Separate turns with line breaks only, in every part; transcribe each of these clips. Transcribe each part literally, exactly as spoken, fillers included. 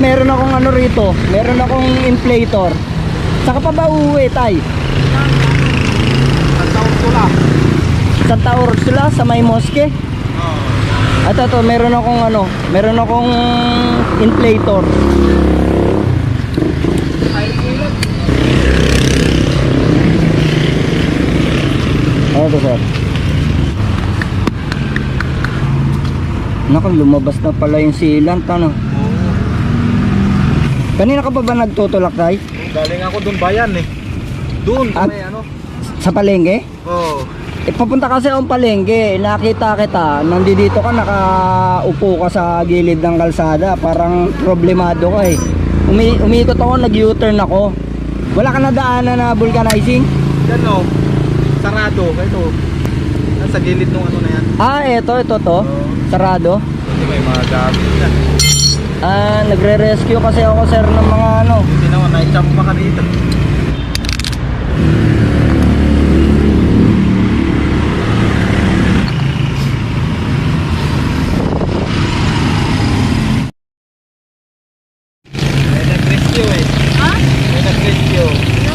meron akong ano rito, meron akong inflator. Saka pa ba uuwi, tay?
Santa Ursula.
Santa Ursula sa may moske.
Oo.
At ito, meron akong ano, meron akong inflator.
Ay, ilan?
Ito, sir. Naku, lumabas na pala yung sealant, ano?
Oo.
Kanina ka pa ba nagtutulak, tay?
Galing ako dun bayan eh. Dun,
At-
may ano.
Sa palengke?
Oo.
Eh, papunta kasi akong palengke, nakita kita, nandito ka, nakaupo ka sa gilid ng kalsada, parang problemado ka eh. Umi umiikot ako, nag-U-turn ako. Wala ka na daanan na vulcanizing?
Yan o. Sarado. Ito. Nasa gilid nung ano na yan.
Ah, eto, ito to.
Oo.
Sarado.
Hindi may mga gamit na.
Ah, nagre-rescue kasi ako, sir, ng mga ano.
Hindi naman, na-jump pa ka dito. May nag-rescue eh.
Ha?
May nag-rescue.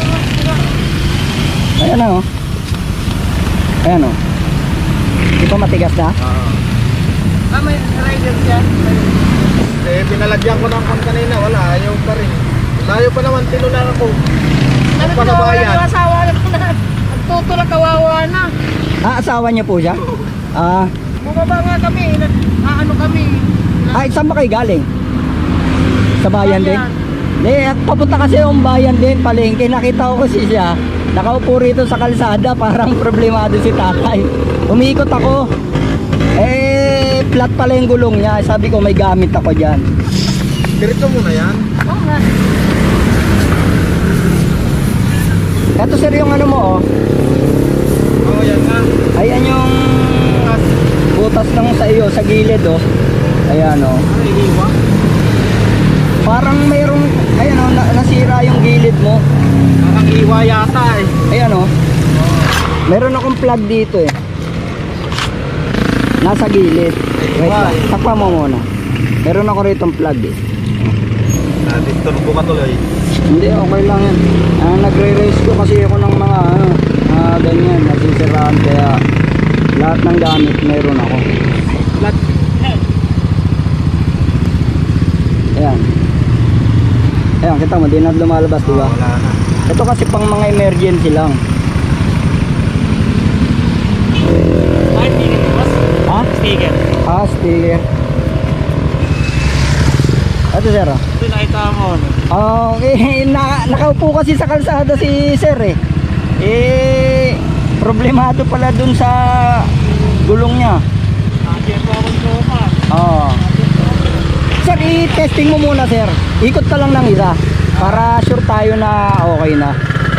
Ayan na, oh. Ayan, oh. Di pa matigas na?
Oo.
Ah, may rider dyan.
Eh, pinalagyan ko ng kon kanina. Wala, ayaw pa rin. Layo pa naman, tinulang ako.
Ano
pa na
ko
bayan?
na asawa na po na. Nagtutulak, kawawa na.
Ah, asawa niya po siya? Ah,
Bumaba nga kami. nag- Ah, ano kami.
ay, saan ba kayo galing? Sa bayan din?
Bayan.
Eh, at papunta kasi yung bayan din, palengke. Nakita ko kasi siya, nakaupo rito sa kalsada, parang problemado si tatay. Umiikot ako. Eh, flat pala yung gulong niya. Sabi ko, may gamit ako dyan.
Diretso muna yan.
Oo nga.
Eto, sir, yung ano mo, oh.
Oo, yan nga.
Ayan yung butas ng sa iyo, sa gilid, oh. Ayan, oh.
Ano, iniwa?
Parang mayroong, ayan, oh, na nasira yung gilid mo.
Parang iwa yata eh.
Ayan, oh. Meron akong plug dito, eh. Nasa gilid. Wait lang, takpa mo muna. Meron ako rito plug, eh.
Natin tunog ka tuloy.
Hindi, okay lang yan. Ah, nagre-rescue kasi ako ng mga, ano, ah, ganyan, nasisiraan. Kaya, lahat ng gamit, meron ako.
Flat.
Ayan. Ayan, kita mo, di na lumalabas, di ba?
Wala na.
Ito kasi pang mga emergency lang.
Ay, tingin mo, boss.
Ha?
Sticker.
Ah, sticker. Ito, sir, ah.
Ito nakita mo. ano?
Okay, na, nakaupo kasi sa kalsada si sir eh. Eh, problemado pala dun sa gulong niya.
Nakita po akong sopa.
Oo. Sir, i-testing mo muna, sir. Ikot ka lang ng isa para sure tayo na okay na.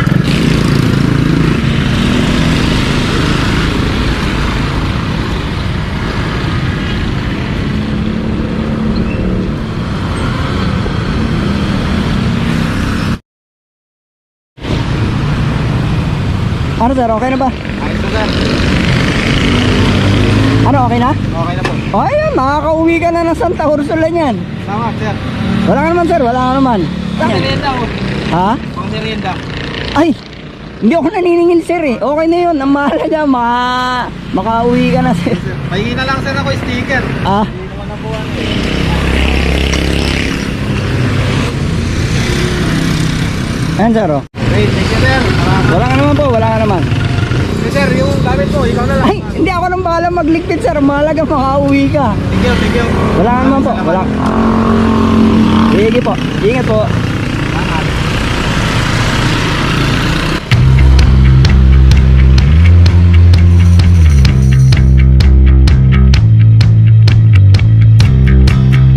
Ano, sir? Okay na ba?
Ayos na sir.
Ano, okay na?
Okay na po.
O, ayun, makakauwi ka na ng Santa Ursula niyan.
Tama sir.
Wala ka naman, sir. Wala ka naman.
Pang
Yan.
merienda oh.
Ha?
Pang merienda.
Ay, hindi ako naniningil, sir eh. Okay na yun. Ang mahalaga, maka, makauwi ka na, sir.
Pahingi na lang sir ako sticker.
Ah,
Hindi naman na po ano eh.
ayan, sir, oh.
Wait, thank you sir. Maraming.
Wala ka naman po, wala ka naman.
Okay, sir, yung gamit mo, ikaw na lang.
Ay, hindi ako nang bahala magligpit, sir. Mahalaga, makauwi ka.
Thank you, thank you.
Wala ka naman po,
Salamat.
wala. Sige po, ingat po.